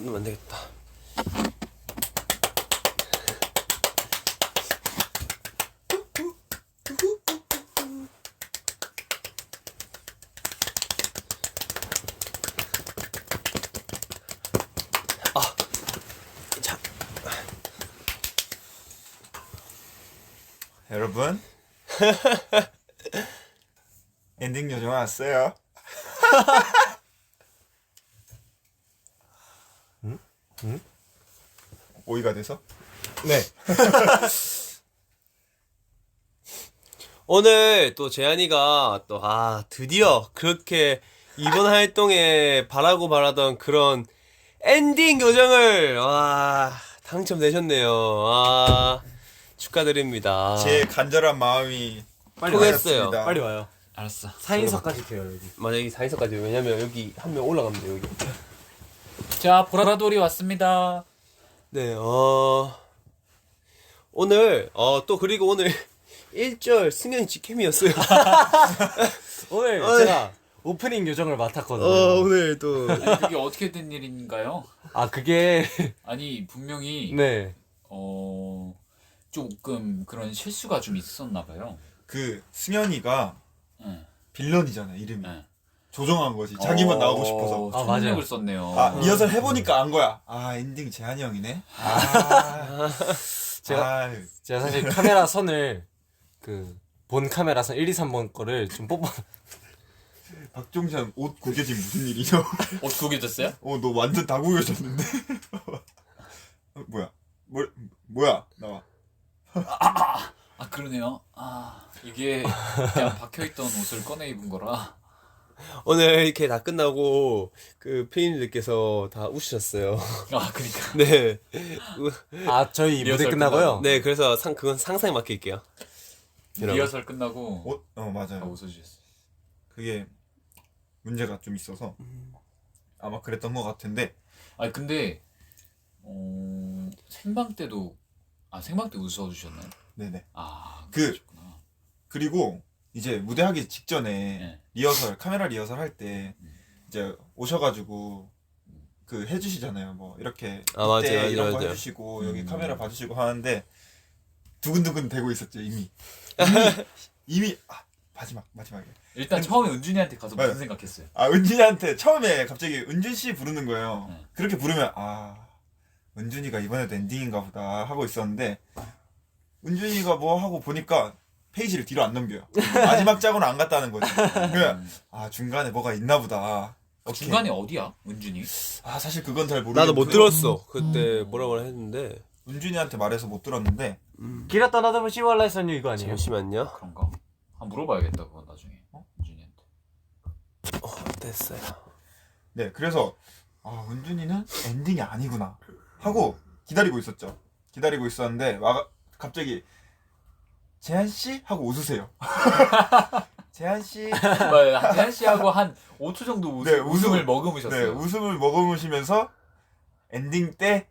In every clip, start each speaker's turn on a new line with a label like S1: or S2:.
S1: 넣으면 안 되겠다. 자,
S2: 여러분 엔딩 요정 왔어요. 응? 오이가 돼서?
S3: 네.
S1: 오늘 또 재한이가 또 드디어 그렇게 이번 활동에 바라던 그런 엔딩 요정을 당첨되셨네요. 축하드립니다.
S2: 제 간절한 마음이
S3: 빨리
S1: 통했어요.
S2: 와였습니다.
S3: 빨리 와요.
S4: 알았어.
S3: 4인석까지 돼요 여기.
S1: 맞아, 여기 4인석까지. 왜냐면 여기 한 명 올라가면 돼요, 여기.
S4: 자, 보라돌이 왔습니다.
S1: 네, 오늘, 또 그리고 오늘 1절 승현이 직캠이었어요.
S3: 오늘 제가 오프닝 요정을 맡았거든요.
S1: 오늘 또.
S4: 아니, 그게 어떻게 된 일인가요?
S3: 그게
S4: 아니, 분명히
S3: 네.
S4: 조금 그런 실수가 좀 있었나 봐요.
S2: 그 승현이가
S4: 네.
S2: 빌런이잖아 이름이.
S4: 네.
S2: 조정한 거지. 자기만 나오고 싶어서.
S4: 총력을
S3: 맞아요.
S4: 썼네요.
S2: 리허설 해보니까 안 거야. 엔딩 재한이 형이네.
S3: 제가 사실 카메라 선을 본 카메라 선 1, 2, 3번 거를 좀 뽑아.
S2: 박종찬 옷 구겨진 무슨 일이죠?
S4: 옷 구겨졌어요?
S2: 너 완전 다 구겨졌는데. 뭐야 나와.
S4: 그러네요. 이게 그냥 박혀있던 옷을 꺼내 입은 거라.
S1: 오늘 이렇게 다 끝나고, 피디님들께서 다 우시셨어요.
S4: 그니까.
S1: 네.
S3: 저희 무대
S4: 리허설
S3: 끝나고요.
S1: 네, 그래서 그건 상상에 맡길게요. 여러분.
S4: 리허설 끝나고 다
S2: 맞아요.
S4: 웃어주셨어요.
S2: 그게 문제가 좀 있어서 아마 그랬던 것 같은데.
S4: 근데 생방 때도 생방 때 웃어주셨나요?
S2: 네네.
S4: 그러셨구나.
S2: 그리고 이제 무대하기 직전에
S4: 네.
S2: 카메라 리허설 할 때 이제 오셔가지고 해주시잖아요. 뭐 이렇게
S1: 맞아요,
S2: 이런 거
S1: 맞아요.
S2: 해주시고 여기 카메라 봐주시고 하는데 두근두근 되고 있었죠 이미. 마지막에.
S4: 일단 처음에 은준이한테 가서 무슨
S2: 네.
S4: 생각했어요?
S2: 은준이한테 처음에 갑자기 은준 씨 부르는 거예요.
S4: 네.
S2: 그렇게 부르면 은준이가 이번에도 엔딩인가 보다 하고 있었는데 은준이가 뭐 하고 보니까 페이지를 뒤로 안 넘겨요. 마지막 짝은 안 갔다는 거지. 그러면 중간에 뭐가 있나 보다. 오케이.
S4: 중간에 어디야? 은준이?
S2: 사실 그건 잘 모르겠고
S1: 나도 못 들었어. 그때 뭐라고 했는데.
S2: 은준이한테 말해서 못 들었는데
S3: 길었다 나다보 시월라 했었니 이거 아니에요?
S1: 잠시만요.
S4: 그런가? 한번 물어봐야겠다 그건 나중에. 은준이한테.
S1: 됐어요.
S2: 네 그래서 은준이는 엔딩이 아니구나 하고 기다리고 있었죠. 기다리고 있었는데 갑자기 재한씨? 하고 웃으세요. 재한씨?
S4: 재한 씨하고 한 5초 정도 웃음을 머금으셨어요.
S2: 네, 웃음을 머금으시면서 엔딩 때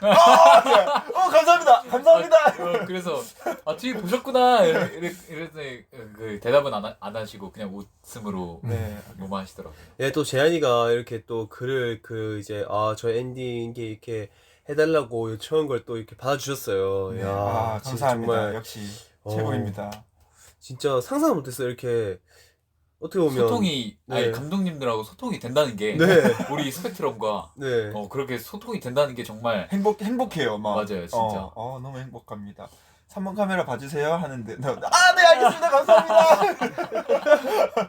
S2: 감사합니다.
S4: 그래서 뒤에 보셨구나 이랬더니 대답은 안 하시고 그냥 웃음으로 뭐만 하시더라고요.
S1: 예, 또 재한이가 이렇게 또 글을 저 엔딩 이렇게 해달라고 요청한 걸 또 이렇게 받아주셨어요.
S2: 네,
S1: 야, 진짜
S2: 감사합니다.
S1: 정말
S2: 역시 최고입니다.
S1: 진짜 상상 못했어요. 이렇게 어떻게 보면
S4: 소통이
S1: 네.
S4: 감독님들하고 소통이 된다는 게
S1: 네.
S4: 우리 스펙트럼과
S1: 네.
S4: 그렇게 소통이 된다는 게 정말
S2: 행복해요.
S4: 맞아요, 진짜.
S2: 너무 행복합니다. 3번 카메라 봐주세요 하는데 네 알겠습니다. 감사합니다.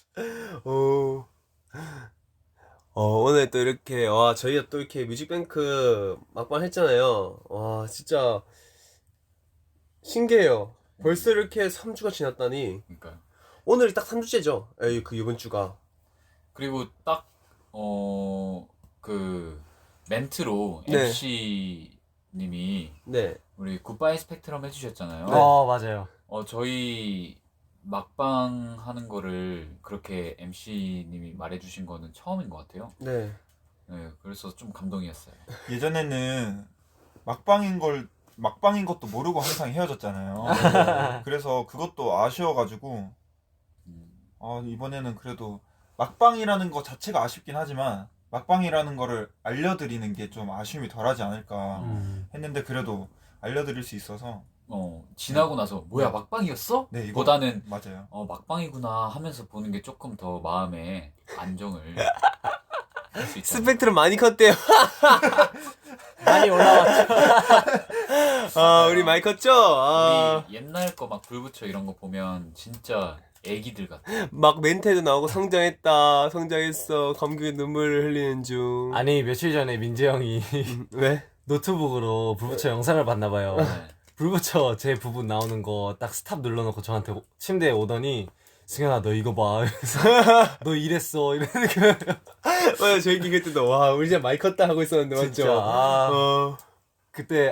S1: 오늘 또 이렇게 저희가 또 이렇게 뮤직뱅크 막방 했잖아요. 진짜 신기해요. 벌써 이렇게 3주가 지났다니.
S4: 그러니까
S1: 오늘이 딱 3주째죠. 이번 주가.
S4: 그리고 딱 멘트로
S1: 네.
S4: MC 님이
S1: 네.
S4: 우리 굿바이 스펙트럼 해주셨잖아요.
S3: 맞아요.
S4: 저희 막방 하는 거를 그렇게 MC 님이 말해주신 거는 처음인 것 같아요.
S1: 네.
S4: 네, 그래서 좀 감동이었어요.
S2: 예전에는 막방인 것도 모르고 항상 헤어졌잖아요. 그래서 그것도 아쉬워가지고 이번에는 그래도 막방이라는 거 자체가 아쉽긴 하지만 막방이라는 거를 알려드리는 게 좀 아쉬움이 덜하지 않을까 했는데 그래도 알려드릴 수 있어서
S4: 지나고 나서 뭐야 막방이었어?
S2: 네, 이거
S4: 보다는
S2: 맞아요.
S4: 막방이구나 하면서 보는 게 조금 더 마음에 안정을 할 수 있다.
S1: 스펙트럼 많이 컸대요.
S3: 많이 올라왔죠.
S1: 아, 우리 많이 컸죠? 아,
S4: 우리 옛날 거 막 불붙여 이런 거 보면 진짜 애기들 같아.
S1: 막 멘트도 나오고 성장했다, 성장했어, 감격의 눈물을 흘리는 중.
S3: 아니 며칠 전에 민재 형이
S1: 왜?
S3: 노트북으로 불붙여 영상을 봤나 봐요.
S4: 네.
S3: 불붙여 제 부분 나오는 거 딱 스탑 눌러놓고 저한테 침대에 오더니 승현아 너 이거 봐. 이러면서 너 이랬어 이러는 거예요.
S1: 맞아, 저희 그때도 와, 우리 진짜 많이 컸다 하고 있었는데 맞죠?
S3: 진짜 아, 그때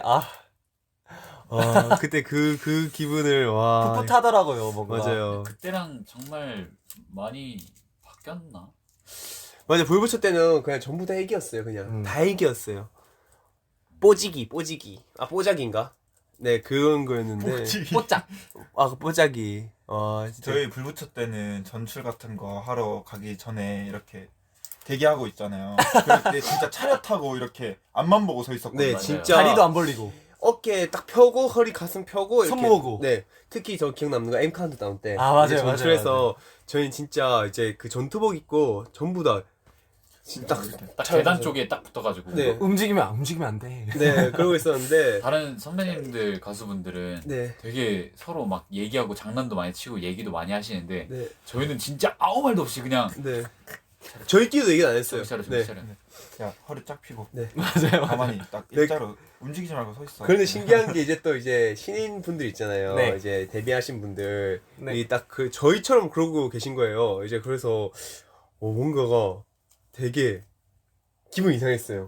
S1: 그때 그 기분을 와.
S3: 풋풋하더라고요 뭔가.
S1: 맞아요.
S4: 그때랑 정말 많이 바뀌었나?
S1: 맞아, 불붙여 때는 그냥 전부 다 애기였어요. 그냥 다 애기였어요. 뽀지기. 아, 뽀작인가? 네, 그런 거였는데.
S3: 뽀짝.
S1: 아, 그 뽀작이. 아, 진짜.
S2: 저희 불붙여 때는 전출 같은 거 하러 가기 전에 이렇게 대기하고 있잖아요. 그럴 때 진짜 차렷하고 이렇게 앞만 보고 서 있었거든요.
S1: 네,
S4: 맞아요.
S1: 진짜.
S3: 다리도 안 벌리고.
S1: 어깨 딱 펴고 허리 가슴 펴고
S3: 손
S1: 이렇게.
S3: 모으고.
S1: 네, 특히 저 기억 남는 거 M 카운트다운 때.
S3: 아, 맞아요,
S1: 이제
S3: 맞아요,
S1: 전출해서 저희는 진짜 이제 그 전투복 입고 전부 다 진짜
S4: 딱 계단 쪽에 딱 붙어가지고
S1: 네.
S3: 움직이면 안 돼.
S1: 네, 그러고 있었는데.
S4: 다른 선배님들 가수분들은
S1: 네.
S4: 되게 서로 막 얘기하고 장난도 많이 치고 얘기도 많이 하시는데
S1: 네.
S4: 저희는 진짜 아무 말도 없이 그냥
S1: 네. 저희끼리도 얘기 안 했어요.
S4: 정신 차려
S1: 네.
S4: 정신 차려.
S2: 야 허리 쫙 피고
S1: 네.
S3: 맞아요.
S2: 가만히 딱
S1: 네.
S2: 일자로 움직이지 말고 서 있어.
S1: 그런데 신기한 게 이제 또 이제 신인 분들 있잖아요.
S3: 네.
S1: 이제 데뷔하신 분들
S3: 네.
S1: 이 딱 그 저희처럼 그러고 계신 거예요. 이제 그래서 뭔가가 되게 기분 이상했어요.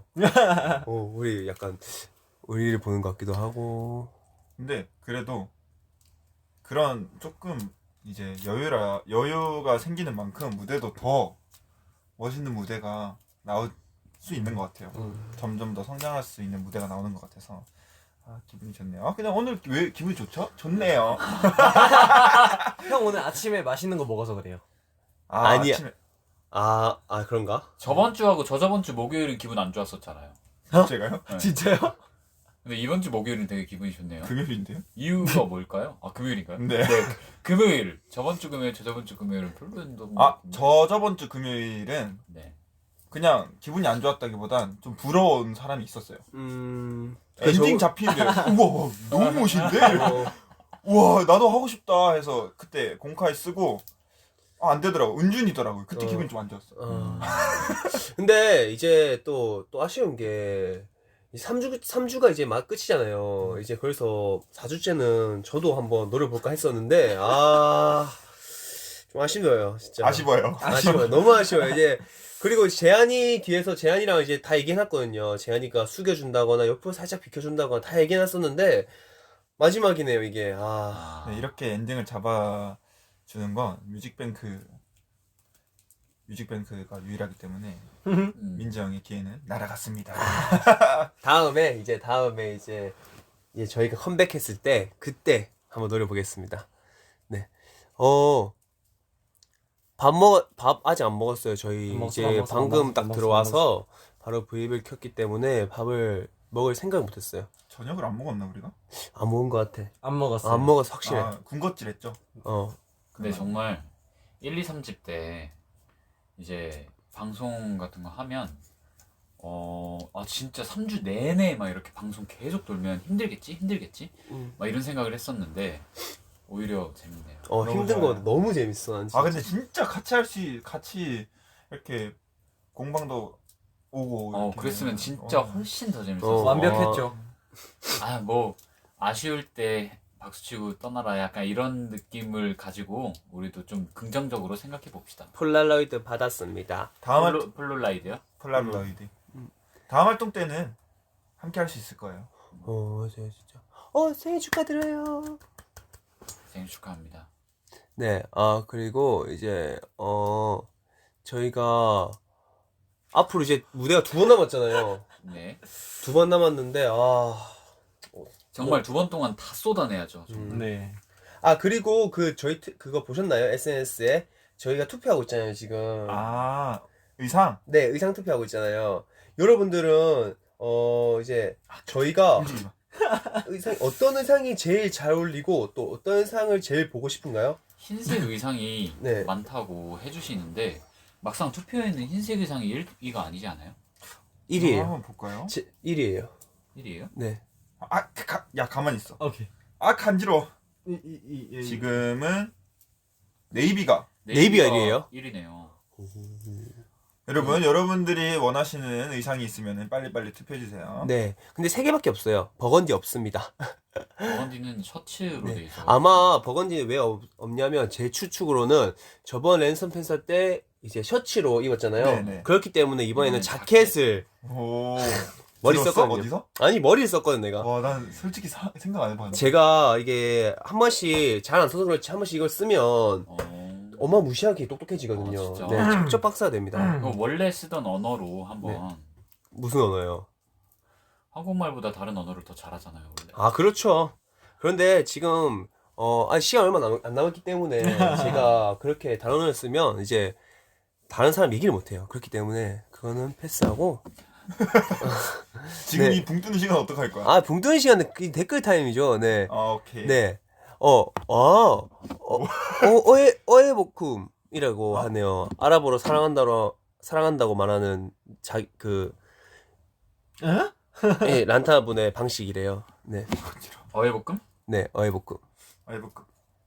S1: 우리 약간 우리를 보는 것 같기도 하고.
S2: 근데 그래도 그런 조금 이제 여유가 생기는 만큼 무대도 더 멋있는 무대가 나올 수 있는 것 같아요. 점점 더 성장할 수 있는 무대가 나오는 것 같아서 기분이 좋네요. 그냥 오늘 왜 기분이 좋죠? 좋네요.
S3: 형 오늘 아침에 맛있는 거 먹어서 그래요.
S1: 아니야.
S2: 아침에
S1: 그런가?
S4: 저번 주하고 저저번 주 목요일은 기분 안 좋았었잖아요.
S2: 제가요?
S4: 네.
S3: 진짜요?
S4: 근데 이번 주 목요일은 되게 기분이 좋네요.
S2: 금요일인데요?
S4: 이유가 뭘까요? 금요일인가요?
S2: 네.
S4: 금요일. 저번 주 금요일, 저저번 주 금요일은 별로였던 것 같은데.
S2: 저번 주 금요일은
S4: 네.
S2: 그냥 기분이 안 좋았다기보단 좀 부러운 사람이 있었어요.
S1: 저-
S2: 엔딩 잡히는데 우와 너무 멋있는데? 우와 나도 하고 싶다 해서 그때 공카에 쓰고 안 되더라고. 은준이더라고요. 그때 기분이 좀 안 좋았어.
S1: 근데 이제 또 아쉬운 게 3주가 이제 막 끝이잖아요. 이제 그래서 4주째는 저도 한번 노려볼까 했었는데 좀 아쉬워요, 진짜.
S2: 아쉬워요.
S1: 아쉬워요. 너무 아쉬워요. 이제 그리고 재한이 뒤에서 재한이랑 이제 다 얘기해놨거든요. 재한이가 숙여준다거나 옆으로 살짝 비켜준다거나 다 얘기해놨었는데 마지막이네요, 이게.
S2: 네, 이렇게 엔딩을 잡아주는 건 뮤직뱅크가 유일하기 때문에 민재 형의 기회는 날아갔습니다.
S1: 다음에 이제 저희가 컴백했을 때 그때 한번 노려보겠습니다. 네. 밥 아직 안 먹었어요. 저희
S3: 안 먹었어,
S1: 이제
S3: 안 먹었어,
S1: 방금
S3: 안
S1: 딱
S3: 먹었어,
S1: 들어와서 바로 브이앱을 켰기 때문에 밥을 먹을 생각을 못했어요.
S2: 저녁을 안 먹었나 우리가?
S1: 안 먹은 것 같아.
S3: 안 먹었어요.
S1: 안 먹어서 확실해.
S2: 군것질했죠.
S4: 근데 정말 1, 2, 3집 때 이제 방송 같은 거 하면 진짜 3주 내내 막 이렇게 방송 계속 돌면 힘들겠지? 막 이런 생각을 했었는데 오히려 재밌네요.
S2: 너무
S1: 힘든
S2: 좋아요.
S1: 거 너무 재밌어. 난 진짜.
S2: 근데 진짜 같이 이렇게 공방도 오고 이렇게.
S4: 그랬으면 진짜 훨씬 더 재밌었어.
S3: 완벽했죠.
S4: 뭐 아쉬울 때 박수치고 떠나라 약간 이런 느낌을 가지고 우리도 좀 긍정적으로 생각해 봅시다.
S1: 폴라로이드 받았습니다.
S2: 다음
S4: 폴로라이드요?
S2: 폴라로이드. 다음 활동 때는 함께 할 수 있을 거예요.
S1: 맞아요, 진짜. 생일 축하드려요.
S4: 생일 축하합니다.
S1: 네, 그리고 이제, 저희가 앞으로 이제 무대가 2번 남았잖아요.
S4: 네.
S1: 2번 남았는데,
S4: 정말 2번 동안 다 쏟아내야죠.
S3: 네.
S1: 그리고 저희 그거 보셨나요? SNS에? 저희가 투표하고 있잖아요, 지금.
S2: 의상.
S1: 네, 의상 투표하고 있잖아요. 여러분들은 이제 저희가
S2: 움직이지 마.
S1: 어떤 의상이 제일 잘 어울리고 또 어떤 의상을 제일 보고 싶은가요?
S4: 흰색 의상이
S1: 네.
S4: 많다고 해주시는데 막상 투표에는 흰색 의상이 1위가 아니지 않아요?
S1: 1위에요.
S2: 한번 볼까요?
S1: 1위에요.
S4: 1위에요?
S1: 네.
S2: 야 가만히 있어.
S3: 오케이.
S2: 간지러워.
S3: 이
S2: 지금은 네이비가.
S1: 네이비가 1위예요?
S4: 1위네요.
S2: 여러분, 여러분들이 원하시는 의상이 있으면 빨리빨리 투표해주세요.
S1: 네. 근데 3개밖에 없어요. 버건디 없습니다.
S4: 버건디는 셔츠로 돼 있어.
S1: 아마 버건디는 왜 없냐면 제 추측으로는 저번 랜선 팬서 때 이제 셔츠로 입었잖아요.
S2: 네네.
S1: 그렇기 때문에 이번에는
S4: 이번엔
S1: 자켓을
S2: 오.
S1: 머리
S2: 들었어?
S1: 썼거든요.
S2: 어디서?
S1: 아니 머리를 썼거든 내가.
S2: 와, 난 솔직히 생각 안 해봤는데.
S1: 제가 이게 한 번씩 잘 안 써서 그렇지 한 번씩 이걸 쓰면 어마무시하게 똑똑해지거든요.
S4: 아, 진짜?
S1: 네, 척척 박사가 됩니다.
S4: 이거 원래 쓰던 언어로 한번
S1: 무슨 언어요?
S4: 한국말보다 다른 언어를 더 잘하잖아요 원래.
S1: 아 그렇죠. 그런데 지금 시간 얼마 안 남았기 때문에 제가 그렇게 다른 언어를 쓰면 이제 다른 사람 얘기를 못해요. 그렇기 때문에 그거는 패스하고.
S2: 지금
S1: 네.
S2: 이 붕 뜨는 시간 어떡할 거야?
S1: 붕 뜨는 시간은 그 댓글 타임이죠. 네.
S2: 오케이.
S1: 네. 어에복쿰이라고 하네요. 아랍어로 사랑한다고 말하는 예, 란타분의 방식이래요. 네.
S4: 어해볶음?
S1: 네, 어에복쿰.
S2: 아이브크.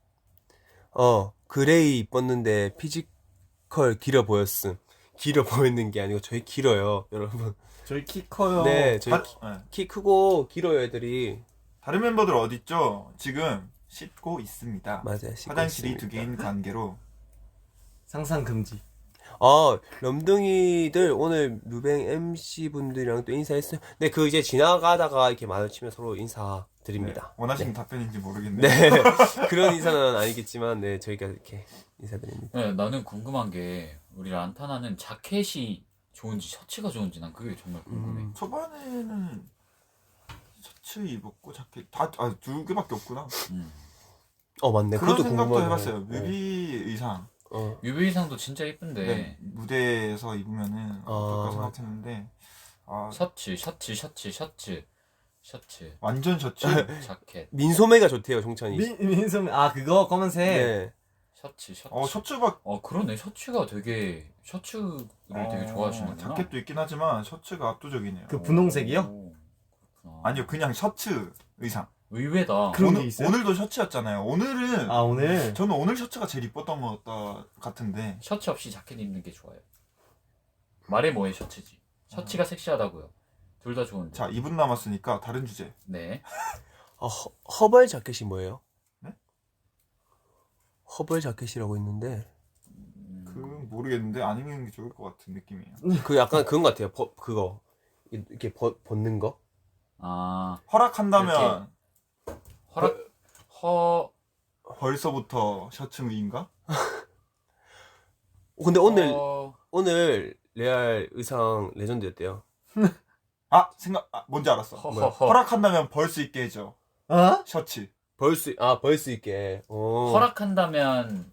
S1: 그레이 입었는데 피지컬 길어 보였음. 길어 보이는 게 아니고 저희 길어요, 여러분.
S3: 저희 키 커요.
S1: 네, 저희
S2: 네.
S1: 키 크고 길어요, 애들이.
S2: 다른 멤버들 어딨죠? 지금 씻고 있습니다.
S1: 맞아요. 씻고
S2: 화장실이
S1: 있습니다.
S2: 2개인 관계로.
S3: 상상 금지.
S1: 럼둥이들 오늘 뮤뱅 MC 분들이랑 또 인사했어요. 네, 그 이제 지나가다가 이렇게 마주치면 서로 인사드립니다.
S2: 원하시는
S1: 네.
S2: 답변인지 모르겠네.
S1: 네, 그런 인사는 아니겠지만, 네, 저희가 이렇게 인사드립니다.
S4: 네, 나는 궁금한 게 우리 란타나는 자켓이 좋은지 셔츠가 좋은지 난 그게 정말 궁금해.
S2: 초반에는 셔츠 입었고 자켓 두 개밖에 없구나.
S1: 맞네.
S2: 그런
S1: 그것도
S2: 생각도
S1: 궁금하네요.
S2: 해봤어요. 뮤비 의상.
S4: 뮤비 의상도 진짜 이쁜데
S2: 네, 무대에서 입으면은 어떨까
S1: 맞아.
S2: 생각했는데
S4: 셔츠
S2: 완전 셔츠.
S4: 자켓
S1: 민소매가 좋대요, 종찬이.
S3: 민소매 그거 검은색.
S1: 네.
S4: 셔츠
S2: 셔츠가
S4: 그러네 셔츠가 되게 셔츠를 되게 좋아하시는구나.
S2: 자켓도 있긴 하지만 셔츠가 압도적이네요.
S3: 그 분홍색이요?
S4: 오, 그렇구나.
S2: 아니요, 그냥 셔츠 의상.
S4: 의외다.
S3: 그런 게 있어요?
S2: 오늘도 셔츠였잖아요. 오늘은
S3: 오늘
S2: 저는 오늘 셔츠가 제일 이뻤던 것 같은데.
S4: 셔츠 없이 자켓 입는 게 좋아요. 말해 뭐해 셔츠지. 셔츠가 섹시하다고요. 둘 다 좋은데.
S2: 자, 2분 남았으니까 다른 주제.
S4: 네.
S1: 허벌 자켓이 뭐예요?
S2: 네?
S1: 허벌 자켓이라고 있는데
S2: 모르겠는데 안 입는 게 좋을 것 같은 느낌이에요.
S1: 그 약간 그건 것 같아요. 그거 이렇게 벗는 거?
S2: 허락한다면
S4: 허
S2: 벌써부터 셔츠 위인가?
S1: 근데 오늘 레알 의상 레전드였대요.
S2: 뭔지 알았어.
S4: 허허허.
S2: 허락한다면 벌 수 있게 해줘. 셔츠.
S1: 벌 수 있게.
S4: 허락한다면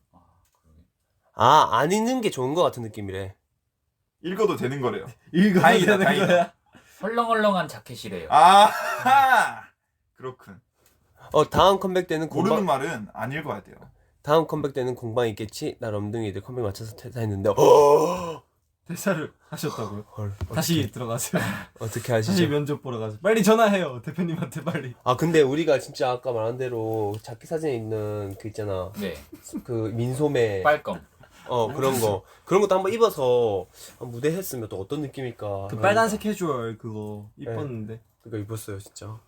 S1: 안 입는 게 좋은 것 같은 느낌이래.
S2: 읽어도 되는 거래요.
S3: 이거
S2: 다행이다,
S3: 되는
S2: 다행이다.
S3: 거야?
S4: 헐렁헐렁한 자켓이래요.
S2: 그렇군.
S1: 다음 컴백 때는
S2: 모르는 말은 안 읽어야 돼요.
S1: 다음 컴백 때는 공방 있겠지? 나 럼둥이들 컴백 맞춰서 퇴사했는데
S3: 대사를 하셨다고요?
S1: 헐,
S3: 다시 들어가세요.
S1: 어떻게
S3: 다시
S1: 하시죠?
S3: 면접 보러 가세요. 빨리 전화해요 대표님한테 빨리.
S1: 근데 우리가 진짜 아까 말한 대로 자켓 사진에 있는 그 있잖아.
S4: 네.
S1: 그 민소매
S4: 빨검.
S1: 그런 것도 한번 입어서 무대 했으면 또 어떤 느낌일까.
S3: 그 빨간색 캐주얼 그거 이뻤는데.
S1: 그거 입었어요 진짜.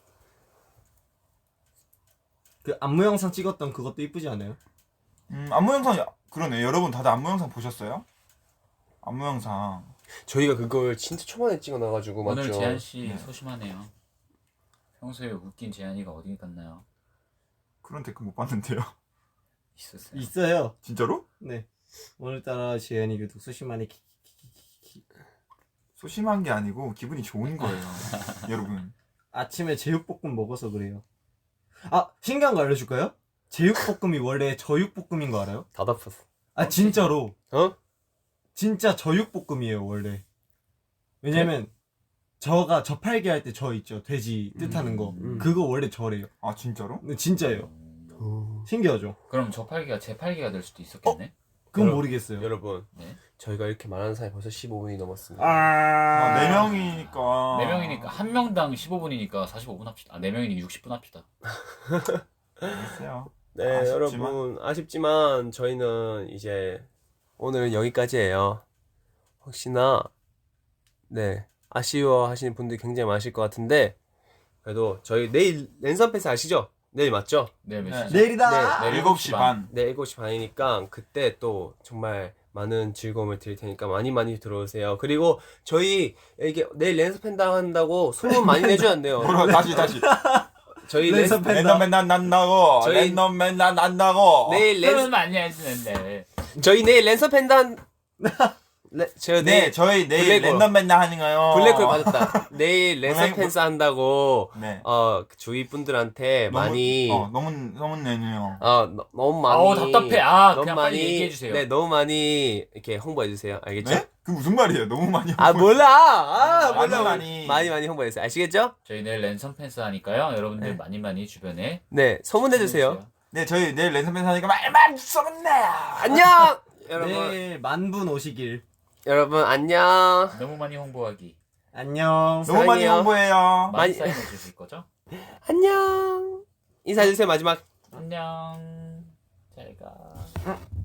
S3: 그 안무 영상 찍었던 그것도 이쁘지 않아요?
S2: 안무 영상 그러네. 여러분 다들 안무 영상 보셨어요? 안무 영상.
S1: 저희가 그걸 진짜 초반에 찍어놔가지고
S4: 오늘
S1: 맞죠?
S4: 재한 씨
S2: 네.
S4: 소심하네요. 평소에 웃긴 재한이가 어디 갔나요?
S2: 그런 댓글 못 봤는데요.
S4: 있었어요.
S3: 있어요.
S2: 진짜로?
S3: 네. 오늘따라 지현이 유독 소심하니
S2: 소심한 게 아니고 기분이 좋은 거예요. 여러분.
S3: 아침에 제육볶음 먹어서 그래요. 신기한 거 알려줄까요? 제육볶음이 원래 저육볶음인 거 알아요?
S1: 다 덮었어.
S3: 진짜로. 진짜 저육볶음이에요 원래. 왜냐면 저가 저팔계 할 때 저 있죠 돼지 뜻하는 거 그거 원래 저래요.
S2: 아 진짜로?
S3: 근데 진짜예요. 신기하죠?
S4: 그럼 저팔계가 제 팔계가 될 수도 있었겠네.
S3: 그건
S1: 여러-
S3: 모르겠어요.
S1: 여러분
S4: 네.
S1: 저희가 이렇게 말하는 사이 벌써 15분이 넘었습니다.
S2: 아, 4명이니까.
S4: 4명이니까 한 명당 15분이니까 45분 합시다. 아, 4명이니까 60분 합시다.
S2: 알겠어요.
S1: 네,
S2: 아쉽지만.
S1: 여러분 아쉽지만 저희는 이제 오늘은 여기까지예요. 혹시나 네 아쉬워하시는 분들이 굉장히 많으실 것 같은데 그래도 저희 내일 랜선 패스 아시죠? 내일 맞죠?
S4: 네, 몇
S2: 네.
S4: 시죠?
S3: 내일이다.
S4: 네,
S2: 7시 반.
S1: 네 7시 반이니까 그때 또 정말 많은 즐거움을 드릴 테니까 많이 많이 들어오세요. 그리고 저희 이게 내일 랜선 팬다 한다고 소문 많이 내주면 안 돼요.
S2: 뭐라 다시.
S1: 저희
S3: 랜선 팬다.
S2: 랜덤맨 난다고.
S1: 저희-
S2: 랜덤맨 난다고.
S1: 내일 랜선
S4: 그러면 많이 해주는데.
S1: 저희 내일 랜선 팬다 저
S2: 네,
S1: 내일
S2: 저희 내일
S1: 블랙홀.
S2: 랜덤맨 하는가요?
S1: 블랙홀 받았다. 내일 랜선 팬스 한다고
S2: 네.
S1: 주위 분들한테
S2: 너무-
S1: 많이
S2: 너무 내네요.
S1: 너무 많이
S4: 아우, 답답해. 아,
S1: 너무
S4: 그냥 빨리 얘기해주세요.
S1: 네 너무 많이 이렇게 홍보해 주세요. 알겠죠?
S2: 네? 그 무슨 말이에요? 너무 많이.
S1: 아 몰라. 몰라.
S2: 많이.
S1: 많이 홍보해 주세요. 아시겠죠?
S4: 저희 내일 랜선 팬스 하니까요. 여러분들 많이 주변에
S1: 네 소문내 주세요.
S2: 네, 저희 내일 랜덤맨 하니까 말만 쏘겠네.
S1: 안녕. 여러분
S3: 내일 만분 오시길.
S1: 여러분 안녕.
S4: 너무 많이 홍보하기.
S3: 안녕.
S2: 너무 많이
S1: 사랑해요.
S2: 홍보해요.
S4: 많이
S1: 많이-
S4: 사인해 주실 거죠?
S1: 안녕. 인사해 주세요 마지막.
S4: 안녕. 잘 가.